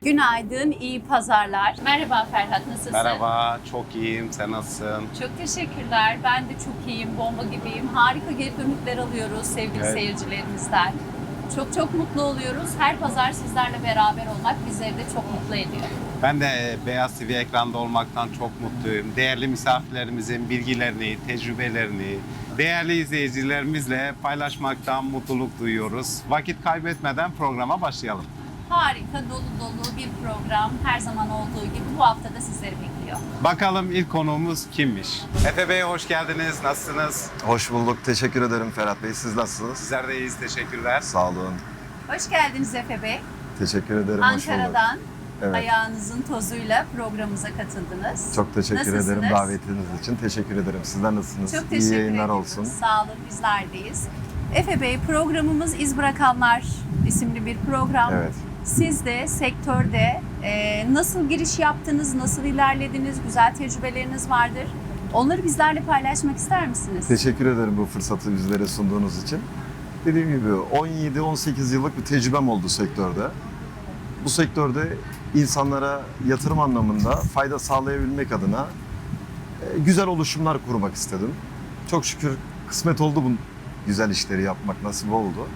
Günaydın, iyi pazarlar. Merhaba Ferhat, nasılsın? Merhaba, çok iyiyim. Sen nasılsın? Çok teşekkürler. Ben de çok iyiyim, bomba gibiyim. Harika geri dönükler alıyoruz sevgili seyircilerimizden. Çok mutlu oluyoruz. Her pazar sizlerle beraber olmak bizleri de çok mutlu ediyor. Ben de Beyaz TV ekranda olmaktan çok mutluyum. Değerli misafirlerimizin bilgilerini, tecrübelerini, değerli izleyicilerimizle paylaşmaktan mutluluk duyuyoruz. Vakit kaybetmeden programa başlayalım. Harika, dolu dolu bir program. Her zaman olduğu gibi bu hafta da sizleri bekliyor. Bakalım ilk konuğumuz kimmiş? Efe Bey hoş geldiniz. Nasılsınız? Hoş bulduk. Teşekkür ederim Ferhat Bey. Siz nasılsınız? Sizler de iyiyiz. Teşekkürler. Sağ olun. Hoş geldiniz Efe Bey. Teşekkür ederim. Hoş bulduk. Ankara'dan Evet. ayağınızın tozuyla programımıza katıldınız. Çok teşekkür Nasılsınız? ederim davetiniz için. Teşekkür ederim. Sizler nasılsınız? Çok İyi teşekkür yayınlar ediyoruz. olsun. Sağ olun, bizlerdeyiz. Efe Bey, programımız İz Bırakanlar isimli bir program. Evet. Siz de sektörde nasıl giriş yaptınız, nasıl ilerlediniz, güzel tecrübeleriniz vardır. Onları bizlerle paylaşmak ister misiniz? Teşekkür ederim bu fırsatı bizlere sunduğunuz için. Dediğim gibi 17-18 yıllık bir tecrübem oldu sektörde. Bu sektörde insanlara yatırım anlamında fayda sağlayabilmek adına güzel oluşumlar kurmak istedim. Çok şükür kısmet oldu bu güzel işleri yapmak, nasip oldu.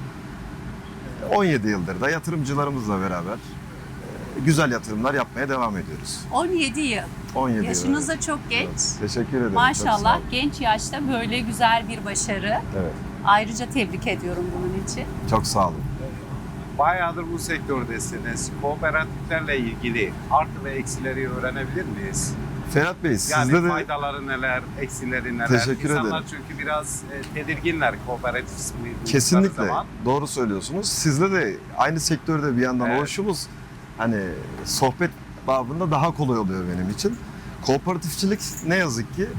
17 yıldır da yatırımcılarımızla beraber güzel yatırımlar yapmaya devam ediyoruz. 17 yıl. 17 Yaşınız yıl. da çok genç. Evet, teşekkür ederim. Çok sağ Maşallah olun. genç yaşta böyle güzel bir başarı. Evet, Ayrıca tebrik ediyorum bunun için. çok sağ olun. Bayağıdır bu sektördesiniz. Kooperatiflerle ilgili artı ve eksileri öğrenebilir miyiz? Ferhat Bey, Yani sizde de faydaları neler, eksileri neler? Teşekkür İnsanlar ederim. çünkü biraz tedirginler kooperatif ismi duydukları kesinlikle zaman. doğru söylüyorsunuz. Sizle de aynı sektörde bir yandan Evet. oluşumuz hani sohbet babında daha kolay oluyor benim için. Kooperatifçilik ne yazık ki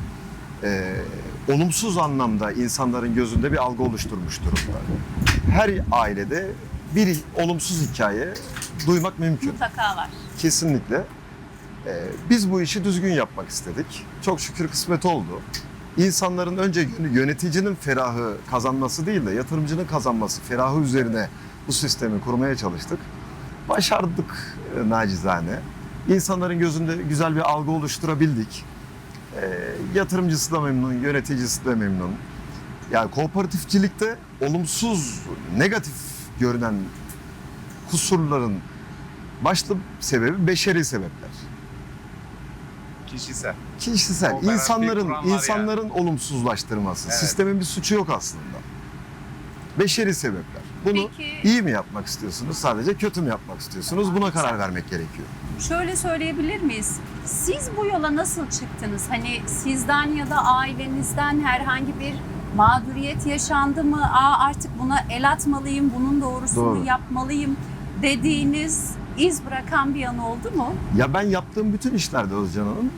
olumsuz anlamda insanların gözünde bir algı oluşturmuş durumda. Her ailede bir olumsuz hikaye duymak mümkün. Mutlaka var. Kesinlikle. Biz bu işi düzgün yapmak istedik. Çok şükür kısmet oldu. İnsanların önce yöneticinin ferahı kazanması değil de yatırımcının kazanması ferahı üzerine bu sistemi kurmaya çalıştık. Başardık nacizane. İnsanların gözünde güzel bir algı oluşturabildik. Yatırımcısı da memnun, yöneticisi de memnun. Yani kooperatifçilikte olumsuz, negatif görünen kusurların başlı sebebi beşeri sebepler. Kişisel. Kişisel, Kooperatif insanların kuranlar olumsuzlaştırması. Evet. Sistemin bir suçu yok aslında. Beşeri sebepler. Bunu Peki- iyi mi yapmak istiyorsunuz, sadece kötü mü yapmak istiyorsunuz? Buna karar vermek gerekiyor. Şöyle söyleyebilir miyiz? Siz bu yola nasıl çıktınız? Hani sizden ya da ailenizden herhangi bir mağduriyet yaşandı mı? Artık buna el atmalıyım, bunun doğrusunu Doğru. yapmalıyım dediğiniz, iz bırakan bir yanı oldu mu? Ya ben yaptığım bütün işlerde Özcan Hanım,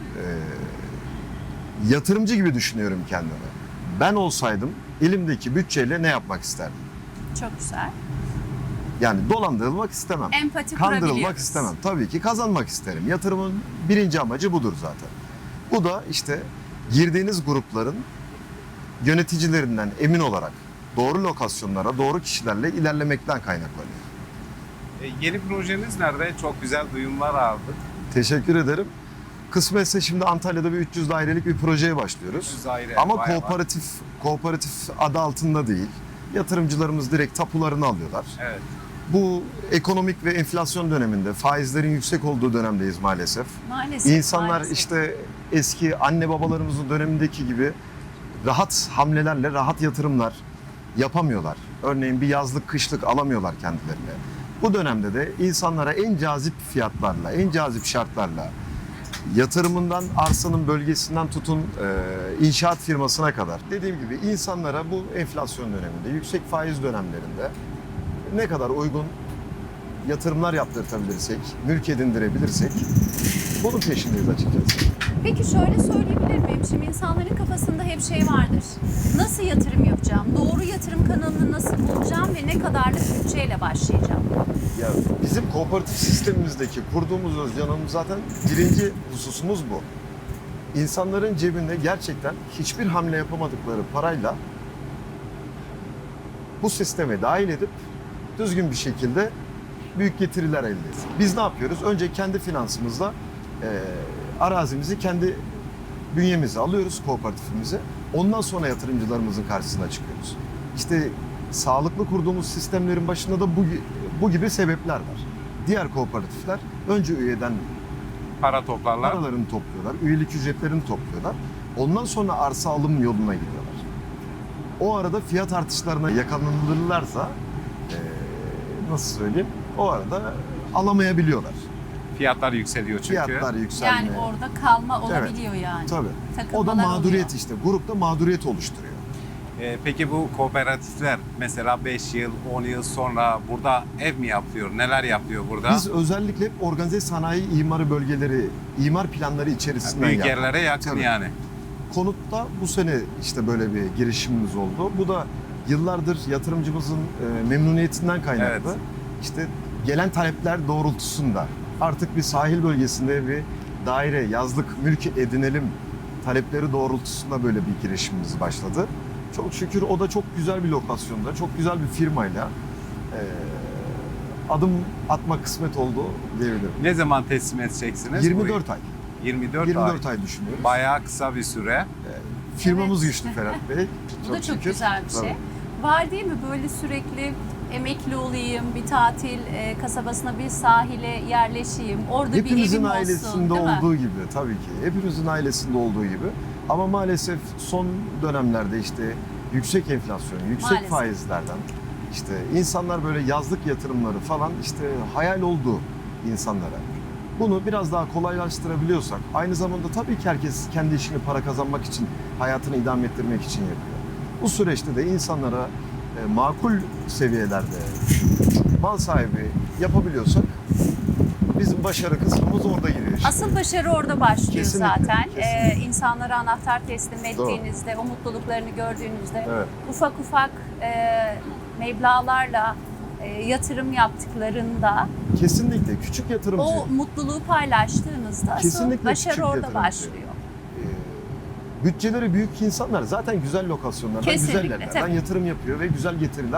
yatırımcı gibi düşünüyorum kendimi. Ben olsaydım elimdeki bütçeyle ne yapmak isterdim? Çok güzel. Yani dolandırılmak istemem. Empati Kandırılmak kurabiliyoruz. istemem. Tabii ki kazanmak isterim. Yatırımın birinci amacı budur zaten. Bu da işte girdiğiniz grupların yöneticilerinden emin olarak doğru lokasyonlara, doğru kişilerle ilerlemekten kaynaklanıyor. Yeni projeniz nerede? Çok güzel duyumlar aldık. Teşekkür ederim. Kısmetse şimdi Antalya'da bir 300 dairelik bir projeye başlıyoruz. 300 daire, Ama bayağı var. kooperatif adı altında değil. Yatırımcılarımız direkt tapularını alıyorlar. Evet. Bu ekonomik ve enflasyon döneminde, faizlerin yüksek olduğu dönemdeyiz maalesef. Maalesef. İnsanlar maalesef. işte eski anne babalarımızın dönemindeki gibi rahat hamlelerle rahat yatırımlar yapamıyorlar. Örneğin bir yazlık kışlık alamıyorlar kendilerine. Bu dönemde de insanlara en cazip fiyatlarla, en cazip şartlarla yatırımından, arsanın bölgesinden tutun inşaat firmasına kadar. Dediğim gibi insanlara bu enflasyon döneminde, yüksek faiz dönemlerinde ne kadar uygun yatırımlar yaptırtabilirsek, mülk edindirebilirsek bunun peşindeyiz açıkçası. Peki şöyle söyleyebilir miyim? Şimdi insanların kafasında hep şey vardır. Nasıl yatırım yapacağım? Doğru yatırım kanalını nasıl bulacağım ve ne kadarlık bütçeyle başlayacağım? Ya bizim kooperatif sistemimizdeki kurduğumuz Özcan Hanım zaten birinci hususumuz bu. İnsanların cebinde gerçekten hiçbir hamle yapamadıkları parayla bu sisteme dahil edip düzgün bir şekilde çok büyük getiriler elde etsin. Biz ne yapıyoruz? Önce kendi finansımızla arazimizi kendi bünyemize alıyoruz, kooperatifimize. Ondan sonra yatırımcılarımızın karşısına çıkıyoruz. İşte sağlıklı kurduğumuz sistemlerin başında da bu gibi sebepler var. Diğer kooperatifler önce üyeden Para toplarlar. paralarını topluyorlar, üyelik ücretlerini topluyorlar. Ondan sonra arsa alım yoluna gidiyorlar. O arada fiyat artışlarına yakalanırlarsa nasıl söyleyeyim? O arada alamayabiliyorlar. Fiyatlar yükseliyor çünkü. Fiyatlar yükselmeye. Yani orada kalma olabiliyor yani. Tabii. O da Takılmalar mağduriyet oluyor. işte. Grupta mağduriyet oluşturuyor. Peki bu kooperatifler mesela 5 yıl, 10 yıl sonra burada ev mi yapıyor? Neler yapıyor burada? Biz özellikle hep organize sanayi imarı bölgeleri, imar planları içerisinden Büyük yaptık. yerlere yakın Tabii. yani. Konutta bu sene işte böyle bir girişimimiz oldu. Bu da yıllardır yatırımcımızın memnuniyetinden kaynaklı. Evet. İşte gelen talepler doğrultusunda artık bir sahil bölgesinde bir daire, yazlık mülk edinelim talepleri doğrultusunda böyle bir girişimimiz başladı. Çok şükür o da çok güzel bir lokasyonda, çok güzel bir firmayla adım atma kısmet oldu diyebilirim. Ne zaman teslim edeceksiniz? 24 ay. 24 ay düşünüyoruz. Bayağı kısa bir süre. Firmamız Evet. güçlü Ferhat Bey. Bu da çok şükür. güzel bir şey. Tabii. Var değil mi böyle sürekli emekli olayım, bir tatil kasabasına, bir sahile yerleşeyim, orada bir Hepimizin evim olsun, ailesinde değil mi? olduğu gibi tabii ki. Hepimizin ailesinde olduğu gibi. Ama maalesef son dönemlerde işte yüksek enflasyon, yüksek Maalesef. faizlerden işte insanlar böyle yazlık yatırımları falan işte hayal oldu insanlara. Bunu biraz daha kolaylaştırabiliyorsak, aynı zamanda tabii ki herkes kendi işini para kazanmak için, hayatını idame ettirmek için yapıyor. Bu süreçte de insanlara makul seviyelerde mal sahibi yapabiliyorsak bizim başarı kısmımız orada giriyor işte. Asıl başarı orada başlıyor Kesinlikle, zaten. kesinlikle. İnsanlara anahtar teslim ettiğinizde, o mutluluklarını gördüğünüzde Evet. ufak ufak meblağlarla yatırım yaptıklarında Kesinlikle küçük yatırımcı. o mutluluğu paylaştığınızda asıl Kesinlikle başarı küçük orada yatırımcı. başlıyor. Bütçeleri büyük insanlar zaten güzel lokasyonlardan, Kesinlikle, güzel yerlerden tabii. yatırım yapıyor ve güzel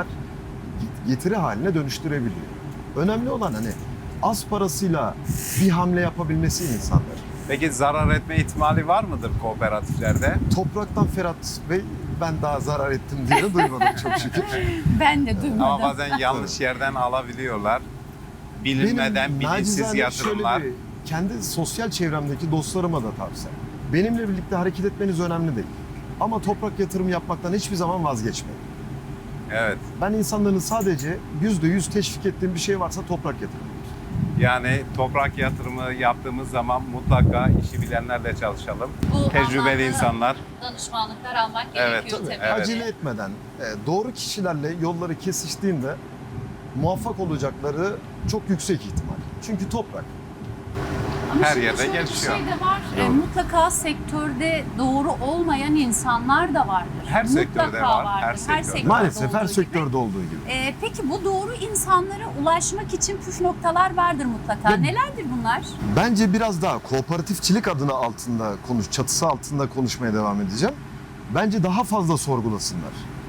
getiri haline dönüştürebiliyor. Önemli olan hani az parasıyla bir hamle yapabilmesi insanlar. Peki zarar etme ihtimali var mıdır kooperatiflerde? Topraktan Ferhat Bey ben daha zarar ettim diye duymadım çok şükür. Ben de duymadım. Ama bazen yanlış yerden alabiliyorlar. Bilinmeden bilinçsiz nacizane yatırımlar. şöyle bir kendi sosyal çevremdeki dostlarıma da tavsiye. Benimle birlikte hareket etmeniz önemli değil. Ama toprak yatırım yapmaktan hiçbir zaman vazgeçmeyin. Evet. Ben insanların sadece %100 teşvik ettiğim bir şey varsa toprak yatırımı. Yani toprak yatırımı yaptığımız zaman mutlaka işi bilenlerle çalışalım. Bu Tecrübeli anlamda insanlar. danışmanlıklar almak Evet, gerekiyor tabii. evet. Acele etmeden doğru kişilerle yolları kesiştiğinde muvaffak olacakları çok yüksek ihtimal. Çünkü toprak. Ama Her şimdi yerde şöyle bir gelişiyor. şey de var. Doğru. Mutlaka sektörde doğru olmayan insanlar da vardır. Her sektörde Mutlaka var, her vardır. sektörde. Maalesef her olduğu sektörde olduğu gibi. gibi. Peki bu doğru insanlara ulaşmak için püf noktalar vardır mutlaka. Ya- Nelerdir bunlar? Bence biraz daha kooperatifçilik adına çatısı altında konuşmaya devam edeceğim. Bence daha fazla sorgulasınlar.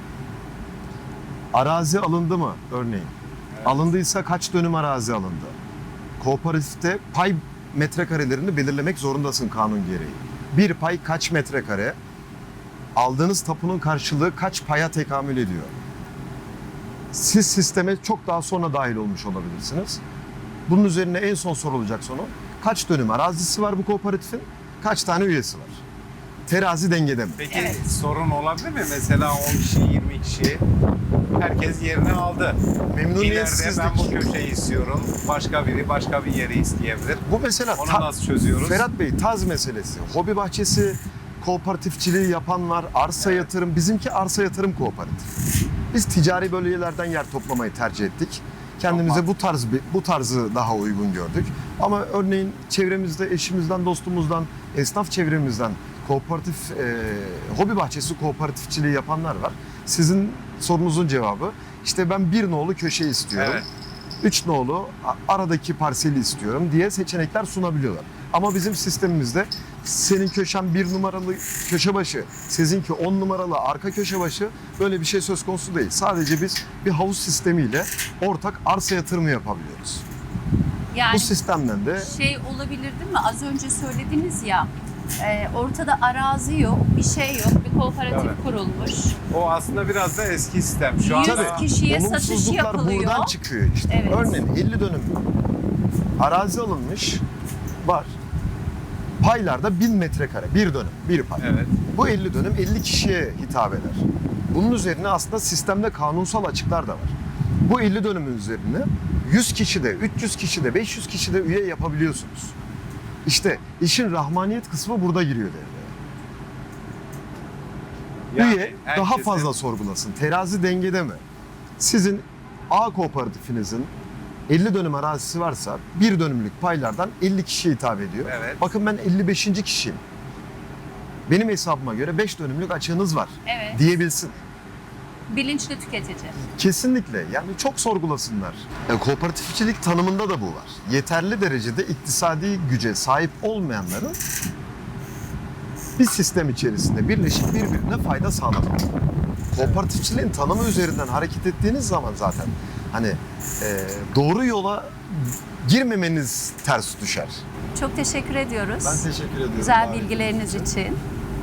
Arazi alındı mı örneğin? Evet. Alındıysa kaç dönüm arazi alındı? Kooperatifte pay metrekarelerini belirlemek zorundasın kanun gereği. Bir pay kaç metrekare? Aldığınız tapunun karşılığı kaç paya tekamül ediyor? Siz sisteme çok daha sonra dahil olmuş olabilirsiniz. Bunun üzerine en son sorulacak soru. Kaç dönüm arazisi var bu kooperatifin? Kaç tane üyesi var? Terazi dengede mi? Peki Evet. sorun olabilir mi? Mesela 10 kişi, 20 kişi herkes yerini aldı. İleride Memnuniyetsizlik. ben bu köşeyi istiyorum. Başka biri başka bir yeri isteyebilir. Bu mesela Onu nasıl çözüyoruz? Ferhat Bey taz meselesi. Hobi bahçesi kooperatifçiliği yapan var. Arsa yatırım. Bizimki arsa yatırım kooperatif. Biz ticari bölgelerden yer toplamayı tercih ettik. Kendimize bu tarzı daha uygun gördük. Ama örneğin çevremizde eşimizden, dostumuzdan, esnaf çevremizden kooperatif, hobi bahçesi kooperatifçiliği yapanlar var. Sizin sorunuzun cevabı işte ben bir nolu köşe istiyorum. Evet. 3 nolu aradaki parseli istiyorum diye seçenekler sunabiliyorlar. Ama bizim sistemimizde senin köşen 1 numaralı köşe başı, sizinki 10 numaralı arka köşe başı, böyle bir şey söz konusu değil. Sadece biz bir havuz sistemiyle ortak arsa yatırımı yapabiliyoruz. Yani Bu sistemden de şey olabilir değil mi? Az önce söylediniz ya, ortada arazi yok, bir şey yok, bir kooperatif Evet. kurulmuş. O aslında biraz da eski sistem. Şu 100 anda kişiye satış olumsuzluklar yapılıyor. buradan çıkıyor işte. Evet. Örneğin 50 dönüm arazi alınmış var. Paylarda 1000 metrekare, bir dönüm, bir pay. evet. Bu 50 dönüm 50 kişiye hitap eder. Bunun üzerine aslında sistemde kanunsal açıklar da var. Bu 50 dönümün üzerine 100 kişi de, 300 kişi de, 500 kişi de üye yapabiliyorsunuz. İşte işin rahmaniyet kısmı burada giriyor devreye. Üye daha herkesin- fazla sorgulasın. Terazi dengede mi? Sizin A kooperatifinizin 50 dönüm arazisi varsa bir dönümlük paylardan 50 kişiye hitap ediyor. Evet. Bakın ben 55. kişiyim. Benim hesabıma göre 5 dönümlük açığınız var Evet. diyebilsin. Bilinçli tüketici. Kesinlikle, yani çok sorgulasınlar. Kooperatifçilik tanımında da bu var. Yeterli derecede iktisadi güce sahip olmayanların bir sistem içerisinde birleşip birbirine fayda sağlamak. Kooperatifçiliğin tanımı üzerinden hareket ettiğiniz zaman zaten hani doğru yola girmemeniz ters düşer. Çok teşekkür ediyoruz. Ben teşekkür ediyorum. Güzel davet bilgileriniz ettiğiniz için.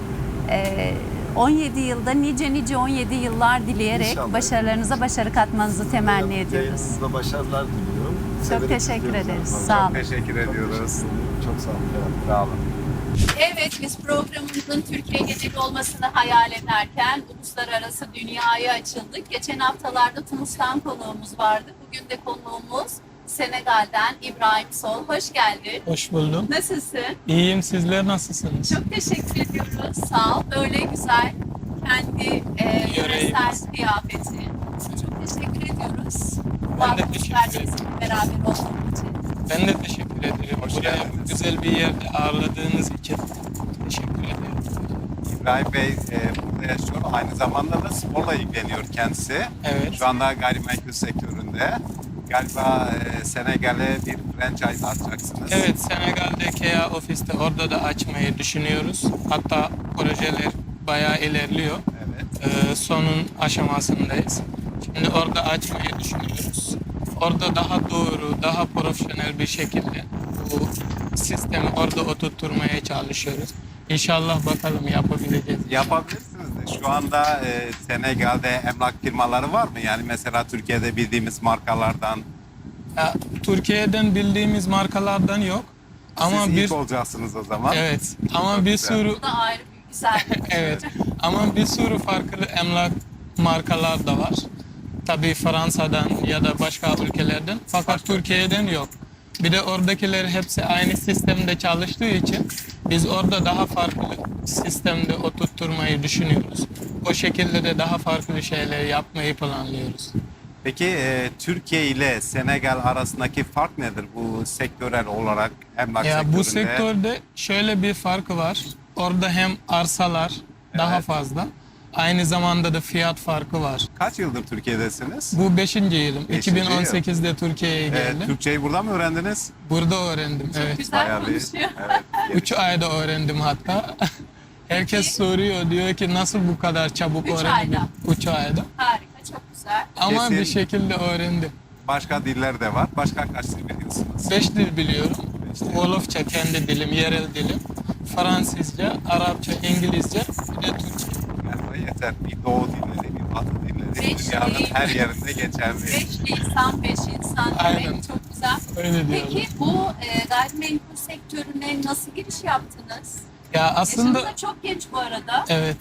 17 yılda nice 17 yıllar dileyerek İnşallah. başarılarınıza başarı katmanızı temenni ediyoruz. Yayınınızda başarılar diliyorum. Çok Severek teşekkür izliyoruz ederiz. efendim. Sağ olun. Teşekkür ediyoruz. Çok sağ olun. Sağ olun. Evet, biz programımızın Türkiye geneli olmasını hayal ederken uluslararası dünyaya açıldık. Geçen haftalarda Tunus'tan konuğumuz vardı. Bugün de konuğumuz Senegal'den İbrahim Sol. Hoş geldin. Hoş buldum. Nasılsın? İyiyim. Sizler nasılsınız? Çok teşekkür ediyoruz. Sağ ol. Böyle güzel kendi yöresel kıyafeti. Çok teşekkür ediyoruz. Bu Ben de hafta teşekkür bizlerle ederim. bizimle beraber olduğun için. Ben de teşekkür ederim. Hoş Buraya geldiniz. güzel bir yerde ağırladığınız için teşekkür ederim. İbrahim Bey burada yaşıyor. Aynı zamanda da sporla ilgileniyor kendisi. Evet. Şu anda gayrimenkul sektöründe. Galiba Senegal'e bir franchise açacaksınız. Evet, Senegal'de KEA ofiste orada da açmayı düşünüyoruz. Hatta projeler bayağı ilerliyor. Evet. Sonun aşamasındayız. Şimdi orada açmayı düşünüyoruz. Orada daha doğru, daha profesyonel bir şekilde bu sistemi orada oturtmaya çalışıyoruz. İnşallah bakalım yapabileceğiz. Yapabilirsiniz de. Şu anda Senegal'de emlak firmaları var mı? Yani mesela Türkiye'de bildiğimiz markalardan. Ya, Türkiye'den bildiğimiz markalardan yok. Ama Siz bir ilk olacaksınız o zaman. evet ama Çok bir güzel. sürü Bu da ayrı bir güzellik. evet ama bir sürü farklı emlak markalar da var. Tabii Fransa'dan ya da başka ülkelerden. Fakat Türkiye'den yok. Bir de oradakiler hepsi aynı sistemde çalıştığı için biz orada daha farklı sistemde oturtmayı düşünüyoruz. O şekilde de daha farklı şeyler yapmayı planlıyoruz. Peki Türkiye ile Senegal arasındaki fark nedir bu sektörel olarak emlak Ya sektöründe? bu sektörde şöyle bir farkı var. Orada hem arsalar daha Evet. fazla, aynı zamanda da fiyat farkı var. Kaç yıldır Türkiye'desiniz? Bu 5. yılım. Beşinci yıl. 2018'de Türkiye'ye geldim. Türkçeyi burada mı öğrendiniz? Burada öğrendim. Evet. Güzel Bayağı bir. konuşuyor. Evet. 3 ayda öğrendim hatta. Herkes Peki. soruyor, diyor ki nasıl bu kadar çabuk Üç öğrendin? ayda. 3 ayda. Harika, çok güzel. Ama Kesin. bir şekilde öğrendim. Başka diller de var. Başka kaç dil biliyorsunuz? 5 dil biliyorum. Beş dil. Wolofça kendi dilim, yerel dilim. Fransızca, Arapça, İngilizce, bir de Türkçe. Yani yeter. Bir doğu dilleri, bir batı dilleri. Beş Dünyanın dil. her yerinde geçerli. 5 insan, 5 insan Aynen. demek çok güzel. Öyle diyorlar. Peki bu gayrimenkul sektörüne nasıl giriş yaptınız? Ya aslında Yaşınız da çok genç bu arada. evet.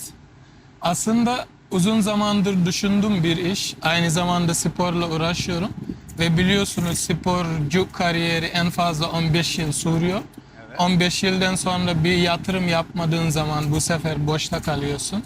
Aslında uzun zamandır düşündüğüm bir iş. Aynı zamanda sporla uğraşıyorum. Ve biliyorsunuz sporcu kariyeri en fazla 15 yıl sürüyor. Evet. 15 yıldan sonra bir yatırım yapmadığın zaman bu sefer boşta kalıyorsun.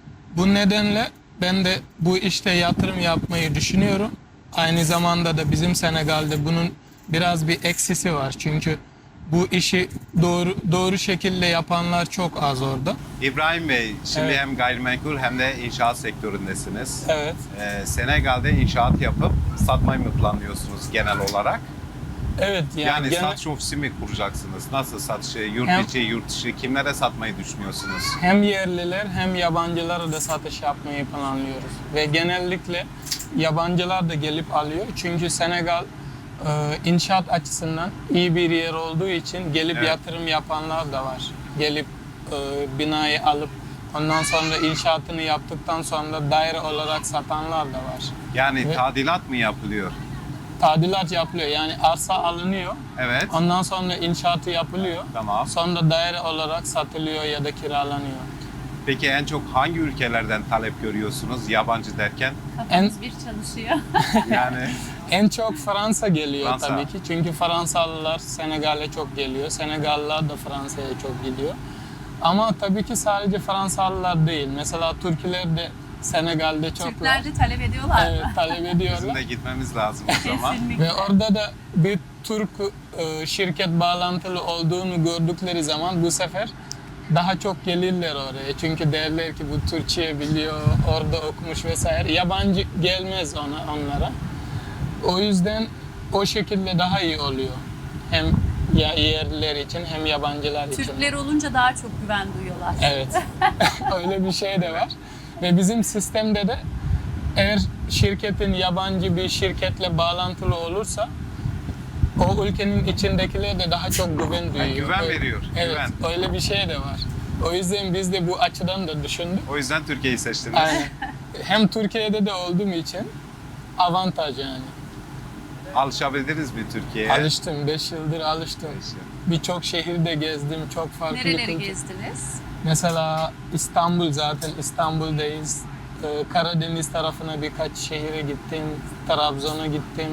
Bu nedenle ben de bu işte yatırım yapmayı düşünüyorum. Aynı zamanda da bizim Senegal'de bunun biraz bir eksisi var. Çünkü bu işi doğru şekilde yapanlar çok az orada. İbrahim Bey, şimdi Evet. hem gayrimenkul hem de inşaat sektöründesiniz. Evet. Senegal'de inşaat yapıp satmayı mı planlıyorsunuz genel olarak? Evet Yani gene- satış ofisi mi kuracaksınız? Nasıl satışı? Yurt Hem- içi, yurt dışı kimlere satmayı düşünüyorsunuz? hem yerliler hem yabancılara da satış yapmayı planlıyoruz. Ve genellikle yabancılar da gelip alıyor. Çünkü Senegal inşaat açısından iyi bir yer olduğu için gelip Evet. yatırım yapanlar da var. Gelip binayı alıp ondan sonra inşaatını yaptıktan sonra daire olarak satanlar da var. Yani Ve- tadilat mı yapılıyor? Tadilat yapılıyor. Yani arsa alınıyor. Evet. Ondan sonra inşaatı yapılıyor. Tamam. Sonra daire olarak satılıyor ya da kiralanıyor. Peki en çok hangi ülkelerden talep görüyorsunuz yabancı derken? Kafamız bir çalışıyor. Yani En çok Fransa geliyor Fransa. tabii ki. Çünkü Fransalılar Senegal'e çok geliyor. Senegallılar da Fransa'ya çok gidiyor. Ama tabii ki sadece Fransalılar değil. Mesela Türkler de Senegal'de çok var. Türkler de talep ediyorlar Evet, mı? talep bizim ediyorlar. de gitmemiz lazım o zaman. Kesinlikle. Ve orada da bir Türk şirket bağlantılı olduğunu gördükleri zaman bu sefer daha çok gelirler oraya. Çünkü derler ki bu Türkçe biliyor, orada okumuş vesaire. Yabancı gelmez onlara. O yüzden o şekilde daha iyi oluyor. Hem yerliler için hem yabancılar için. Türkler olunca daha çok güven duyuyorlar. Evet. Öyle bir şey de var. Ve bizim sistemde de eğer şirketin yabancı bir şirketle bağlantılı olursa o ülkenin içindekiler de daha çok güven duyuyor. güven Öyle- veriyor, Evet. güven. Öyle bir şey de var. O yüzden biz de bu açıdan da düşündük. O yüzden Türkiye'yi seçtiniz. Aynen. Hem Türkiye'de de olduğum için avantaj yani. Alışabildiniz mi Türkiye'ye? Alıştım. 5 yıldır alıştım. Birçok şehirde gezdim. Çok farklı Nereleri kültür- gezdiniz? Mesela İstanbul, zaten İstanbul'dayız. Karadeniz tarafına birkaç şehire gittim. Trabzon'a gittim.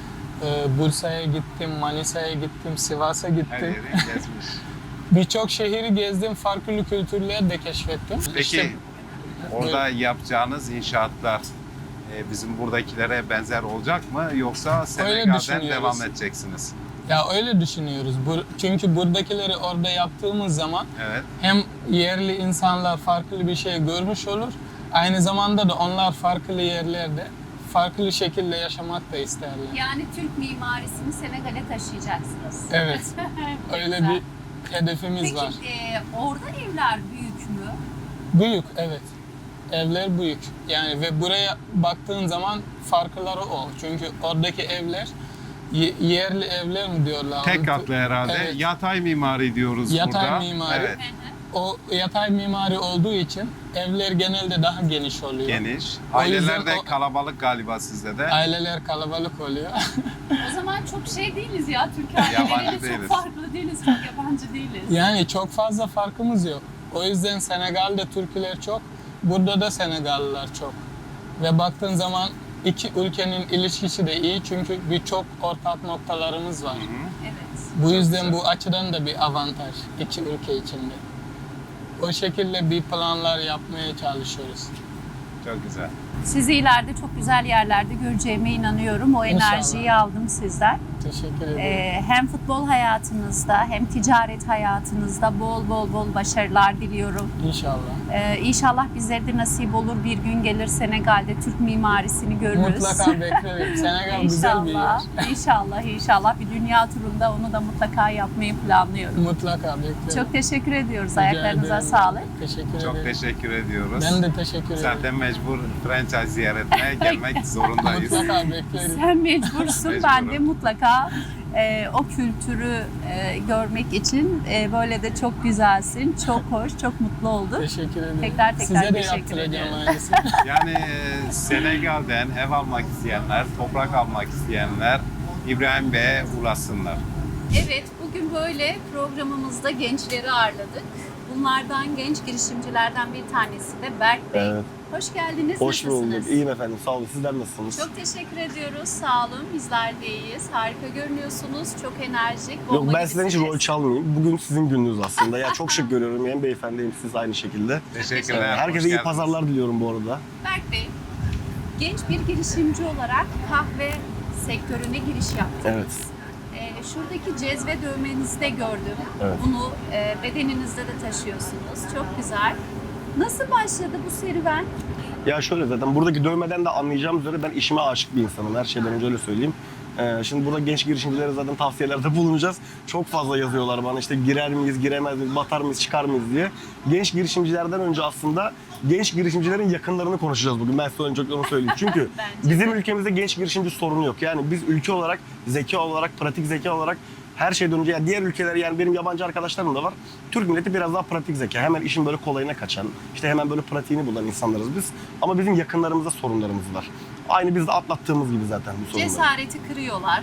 Bursa'ya gittim, Manisa'ya gittim, Sivas'a Her gittim. yeri gezmiş. Birçok şehri gezdim, farklı kültürler de keşfettim. Peki İşte orada yapacağınız inşaatlar bizim buradakilere benzer olacak mı? Yoksa Senegal'den düşünüyoruz. devam edeceksiniz? ya öyle düşünüyoruz. Çünkü buradakileri orada yaptığımız zaman Evet. hem yerli insanlar farklı bir şey görmüş olur, aynı zamanda da onlar farklı yerlerde farklı şekilde yaşamak da isterler. Yani Türk mimarisini Senegal'e taşıyacaksınız. Evet, öyle Güzel. bir hedefimiz Peki var. orada evler büyük mü? Büyük, evet. Evler büyük. Yani ve buraya baktığın zaman farkları o. Çünkü oradaki evler yerli evler mi diyorlar? Tek katlı herhalde. Evet. Yatay mimari diyoruz Yatay burada. mimari. Evet. O yatay mimari olduğu için evler genelde daha geniş oluyor. Geniş. O Aileler yüzden de kalabalık galiba sizde de. Aileler kalabalık oluyor. O zaman çok şey değiliz ya. Türk Yabancı aileleriyle çok değiliz. farklı değiliz. Çok yabancı değiliz. Yani çok fazla farkımız yok. O yüzden Senegal'de Türkler çok, burada da Senegallılar çok. Ve baktığın zaman iki ülkenin ilişkisi de iyi çünkü birçok ortak noktalarımız var. Evet. Bu yüzden bu açıdan da bir avantaj iki ülke içinde. O şekilde bir planlar yapmaya çalışıyoruz. Çok güzel. Sizi ileride çok güzel yerlerde göreceğime inanıyorum. O İnşallah. enerjiyi aldım sizden. Teşekkür ederim. Hem futbol hayatınızda hem ticaret hayatınızda bol başarılar diliyorum. İnşallah. İnşallah bizlere de nasip olur bir gün gelir Senegal'de Türk mimarisini görürüz. Mutlaka beklerim. Senegal güzel bir yer. İnşallah bir dünya turunda onu da mutlaka yapmayı planlıyorum. Mutlaka beklerim. Çok teşekkür ediyoruz. Rica Ayaklarınıza ederim. sağlık. Teşekkür Çok ederim. teşekkür ediyoruz. Ben de teşekkür ederim. Zaten mecbur franchise ziyaretine gelmek zorundayız. Mutlaka beklerim. Sen mecbursun. Mecburum. Ben de mutlaka o kültürü görmek için böyle de çok güzelsin. Çok hoş, çok mutlu olduk. Teşekkür ederim. Tekrar Size de teşekkür yaptıracağım ederim. aynısını. Yani Senegal'den ev almak isteyenler, toprak almak isteyenler İbrahim Bey'e ulaşsınlar. Evet, bugün böyle programımızda gençleri ağırladık. Bunlardan genç girişimcilerden bir tanesi de Berk Bey. Evet. Hoş geldiniz. Hoş Nasılsınız? bulduk. İyiyim efendim. Sağ olun. Sizler nasılsınız? Çok teşekkür ediyoruz. Sağ olun. Bizler de iyiyiz. Harika görünüyorsunuz. Çok enerjik. Yok bomba ben sizden hiç gibisiniz. rol çalmayayım. Bugün sizin gününüz aslında. Ya çok şık görüyorum. Hem beyefendi hem siz aynı şekilde. Teşekkürler. hoş Herkese iyi geldiniz. pazarlar diliyorum bu arada. Berk Bey, genç bir girişimci olarak kahve sektörüne giriş yaptınız. Evet. Şuradaki cezve dövmenizi de gördüm. Evet. Bunu bedeninizde de taşıyorsunuz. Çok güzel. Nasıl başladı bu serüven? Ya şöyle zaten buradaki dövmeden de anlayacağım üzere ben işime aşık bir insanım. Her şeyden önce öyle söyleyeyim. Şimdi burada genç girişimcilere zaten tavsiyelerde bulunacağız. Çok fazla yazıyorlar bana işte girer miyiz, giremez miyiz, batar mıyız, çıkar mıyız diye. Genç girişimcilerden önce aslında genç girişimcilerin yakınlarını konuşacağız bugün. Ben size önce onu söyleyeyim. Çünkü bizim ülkemizde genç girişimci sorunu yok. Yani biz ülke olarak, zeka olarak, pratik zeka olarak her şeyden önce yani diğer ülkeler yani benim yabancı arkadaşlarım da var. Türk milleti biraz daha pratik zeka. Hemen işin böyle kolayına kaçan, işte hemen böyle pratiğini bulan insanlarız biz. Ama bizim yakınlarımızda sorunlarımız var. Aynı biz de atlattığımız gibi zaten bu sorunları. Cesareti kırıyorlar.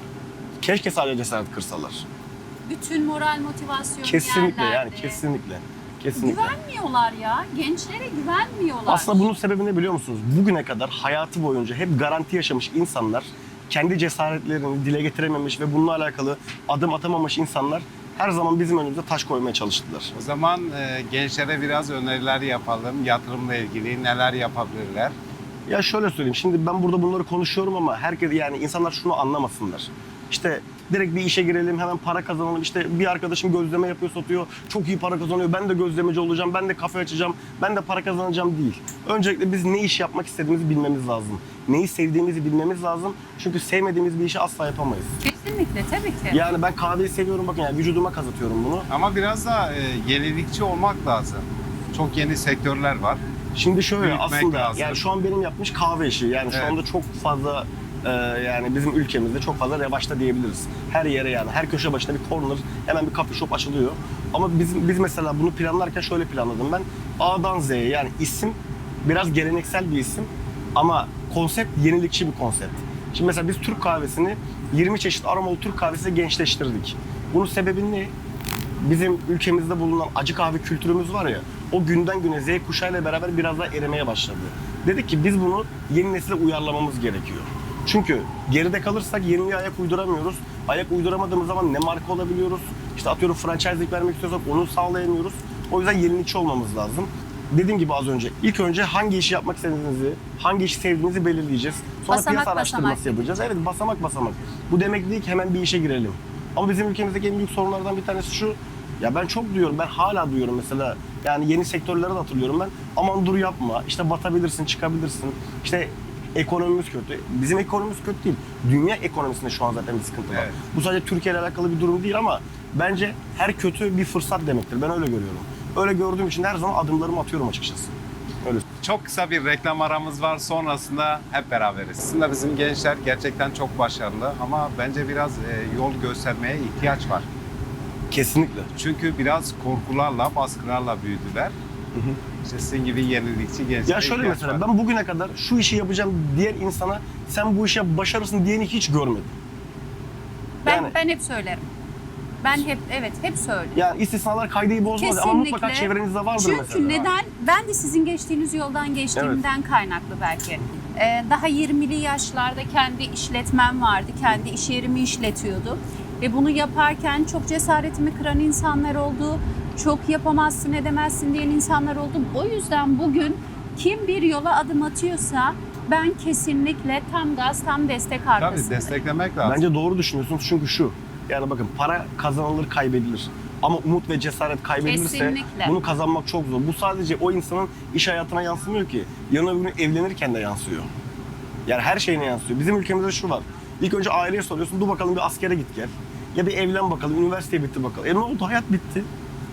Keşke sadece cesaret kırsalar. Bütün moral motivasyonu Kesinlikle yerlerde. yani kesinlikle. Kesinlikle. Güvenmiyorlar ya. Gençlere güvenmiyorlar. Aslında bunun sebebi ne biliyor musunuz? Bugüne kadar hayatı boyunca hep garanti yaşamış insanlar, kendi cesaretlerini dile getirememiş ve bununla alakalı adım atamamış insanlar her zaman bizim önümüze taş koymaya çalıştılar. O zaman gençlere biraz öneriler yapalım. Yatırımla ilgili neler yapabilirler? Ya şöyle söyleyeyim, şimdi ben burada bunları konuşuyorum ama herkes yani insanlar şunu anlamasınlar. İşte direkt bir işe girelim, hemen para kazanalım. İşte bir arkadaşım gözleme yapıyor, satıyor. Çok iyi para kazanıyor. Ben de gözlemeci olacağım, ben de kafe açacağım, ben de para kazanacağım değil. Öncelikle biz ne iş yapmak istediğimizi bilmemiz lazım. Neyi sevdiğimizi bilmemiz lazım. Çünkü sevmediğimiz bir işi asla yapamayız. Kesinlikle tabii ki. Yani ben kahveyi seviyorum, bakın yani vücuduma kazıtıyorum bunu. Ama biraz da yenilikçi olmak lazım. Çok yeni sektörler var. Şimdi şöyle Büyütmek aslında lazım. yani şu an benim yapmış kahve işi. Yani şu Evet. anda çok fazla yani bizim ülkemizde çok fazla revaçta diyebiliriz. Her yere yani her köşe başına bir corner, hemen bir coffee shop açılıyor. Ama biz mesela bunu planlarken şöyle planladım ben. A'dan Z'ye yani isim biraz geleneksel bir isim ama konsept yenilikçi bir konsept. Şimdi mesela biz Türk kahvesini 20 çeşit aromalı Türk kahvesiyle gençleştirdik. Bunun sebebi ne? Bizim ülkemizde bulunan acı kahve kültürümüz var ya, o günden güne Z kuşağıyla beraber biraz daha erimeye başladı. Dedik ki biz bunu yeni nesile uyarlamamız gerekiyor. Çünkü geride kalırsak yeniliğe ayak uyduramıyoruz. Ayak uyduramadığımız zaman ne marka olabiliyoruz? İşte atıyorum franchise'lik vermek istiyorsak onu sağlayamıyoruz. O yüzden yenilikçi olmamız lazım. Dediğim gibi az önce, ilk önce hangi işi yapmak istediğinizi, hangi işi sevdiğinizi belirleyeceğiz. Sonra Basamak piyasa araştırması basamak. yapacağız. Evet, basamak basamak. Bu demek değil ki hemen bir işe girelim. Ama bizim ülkemizdeki en büyük sorunlardan bir tanesi şu. Ya ben çok duyuyorum, ben hala duyuyorum mesela. Yani yeni sektörleri de hatırlıyorum ben. Aman dur yapma, işte batabilirsin, çıkabilirsin. İşte ekonomimiz kötü. Bizim ekonomimiz kötü değil. Dünya ekonomisinde şu an zaten bir sıkıntı var. Evet. Bu sadece Türkiye ile alakalı bir durum değil ama bence her kötü bir fırsat demektir. Ben öyle görüyorum. Öyle gördüğüm için her zaman adımlarımı atıyorum açıkçası. Öyle. Çok kısa bir reklam aramız var. Sonrasında hep beraberiz. Aslında bizim gençler gerçekten çok başarılı ama bence biraz yol göstermeye ihtiyaç var. Kesinlikle. Çünkü biraz korkularla, baskılarla büyüdüler. İşte sizin gibi yenilikçi gençlere Ya şöyle ihtiyaç mesela var. ben bugüne kadar şu işi yapacağım diyen insana sen bu işe başarırsın diyeni hiç görmedim. Yani- Ben hep söylerim. Ben hep söylerim. Yani istisnalar kaideyi bozmaz ama mutlaka çevrenizde vardır Çünkü mesela. Çünkü neden? Ben de sizin geçtiğiniz yoldan geçtiğimden kaynaklı belki. Daha 20'li yaşlarda kendi işletmem vardı. Kendi iş yerimi işletiyordum. Ve bunu yaparken çok cesaretimi kıran insanlar oldu. Çok yapamazsın, edemezsin diyen insanlar oldu. O yüzden bugün kim bir yola adım atıyorsa ben kesinlikle tam gaz, tam destek Tabii arkasındayım. desteklemek lazım. Bence doğru düşünüyorsunuz çünkü şu. Yani bakın para kazanılır kaybedilir. Ama umut ve cesaret kaybedilirse Kesinlikle. bunu kazanmak çok zor. Bu sadece o insanın iş hayatına yansımıyor ki. Yarın öbür gün evlenirken de yansıyor. Yani her şeyine yansıyor. Bizim ülkemizde şu var. İlk önce aileye soruyorsun. Dur bakalım bir askere git gel. Ya bir evlen bakalım. Üniversiteye bitti bakalım. Ne oldu? Hayat bitti.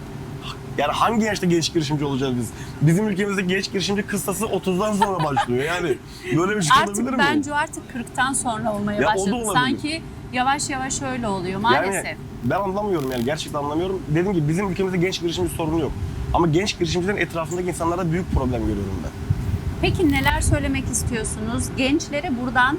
Yani hangi yaşta genç girişimci olacağız biz? Bizim ülkemizde genç girişimci kıstası 30'dan sonra başlıyor. Yani böyle bir şey olabilir Artık mi? bence artık 40'tan sonra olmaya Ya o da başladı. olabilir. Sanki yavaş yavaş öyle oluyor maalesef. Yani ben anlamıyorum yani gerçekten anlamıyorum. Dediğim gibi bizim ülkemizde genç girişimci sorunu yok. Ama genç girişimcilerin etrafındaki insanlarda büyük problem görüyorum ben. Peki neler söylemek istiyorsunuz? Gençlere buradan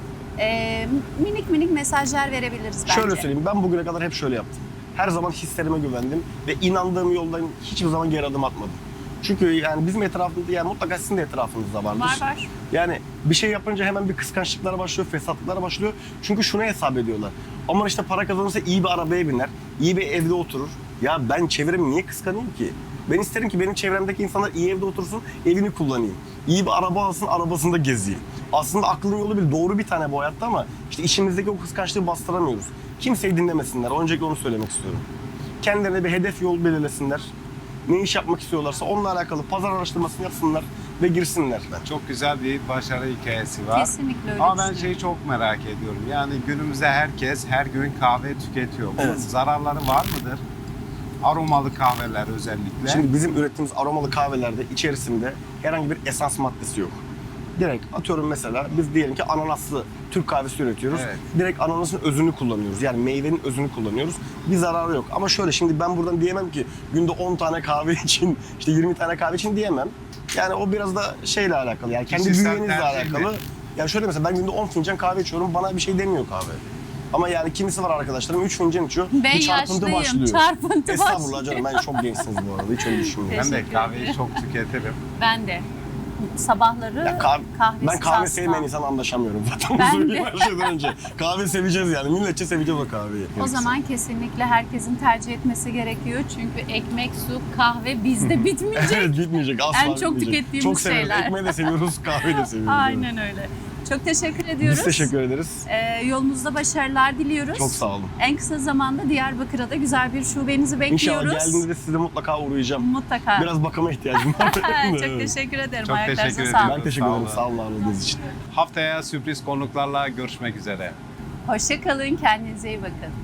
minik minik mesajlar verebiliriz bence. Şöyle söyleyeyim, ben bugüne kadar hep şöyle yaptım. Her zaman hislerime güvendim ve inandığım yoldan hiçbir zaman geri adım atmadım. Çünkü yani bizim etrafımızda, yani mutlaka sizin de etrafınızda vardır. Var. Yani bir şey yapınca hemen bir kıskançlıklar başlıyor, fesatlıklar başlıyor. Çünkü şunu hesap ediyorlar. Aman işte para kazanırsa iyi bir arabaya biner, iyi bir evde oturur. Ya ben çevremi niye kıskanayım ki? Ben isterim ki benim çevremdeki insanlar iyi evde otursun, evini kullanayım. İyi bir araba alsın, arabasında gezeyim. Aslında aklın yolu bir doğru bir tane bu hayatta ama işte içimizdeki o kıskançlığı bastıramıyoruz. Kimseyi dinlemesinler. Öncelikle onu söylemek istiyorum. Kendilerine bir hedef yol belirlesinler. ne iş yapmak istiyorlarsa onunla alakalı pazar araştırmasını yapsınlar ve girsinler. Çok güzel bir başarı hikayesi var. Kesinlikle öyle Ama ben düşünüyorum. şeyi çok merak ediyorum. Yani günümüzde herkes her gün kahve tüketiyor. Bunun Evet. zararları var mıdır? Aromalı kahveler özellikle. Şimdi bizim ürettiğimiz aromalı kahvelerde içerisinde herhangi bir esans maddesi yok. Direkt atıyorum mesela biz diyelim ki ananaslı Türk kahvesi üretiyoruz. Evet. Direkt ananasın özünü kullanıyoruz. Yani meyvenin özünü kullanıyoruz. Bir zararı yok. Ama şöyle şimdi ben buradan diyemem ki günde 10 tane kahve için, işte 20 tane kahve için diyemem. Yani o biraz da şeyle alakalı. Yani kendi Kişisel bünyенizle tercih alakalı. mi? Yani şöyle mesela ben günde 10 fincan kahve içiyorum. Bana bir şey demiyor kahve. Ama yani kimisi var arkadaşlarım 3 fincan içiyor. Ben bir çarpıntı yaşlıyım, başlıyor. çarpıntı Estağfurullah başlıyor. canım ben çok gençsiniz bu arada. Hiç öyle düşünmüyorum. Ben de Teşekkür kahveyi ederim. çok tüketirim. Ben de. Sabahları Ya kahvesiz ben kahve asla. sevmeyen insan anlaşamıyorum zaten. Ben Ben söyleyeyim de. her şeyden önce. Kahve seveceğiz yani. Milletçe seveceğiz o kahveyi. O zaman kesinlikle herkesin tercih etmesi gerekiyor. Çünkü ekmek, su, kahve bizde bitmeyecek. Evet bitmeyecek asla En çok bitmeyecek. tükettiğimiz Çok severiz. şeyler. Ekmeği de seviyoruz, kahveyi de seviyoruz. Aynen öyle. Çok teşekkür ediyoruz. Biz teşekkür ederiz. Yolunuzda başarılar diliyoruz. Çok sağ olun. En kısa zamanda Diyarbakır'a da güzel bir şubenizi bekliyoruz. İnşallah geldiğinde de size mutlaka uğrayacağım. Mutlaka. Biraz bakıma ihtiyacım var. Çok teşekkür ederim. Çok Ayaklarınıza teşekkür sağlık. ediyorum. Ben teşekkür Sağ ederim. olun. Sağ olun ağırladığınız için. Haftaya sürpriz konuklarla görüşmek üzere. Hoşça kalın. Kendinize iyi bakın.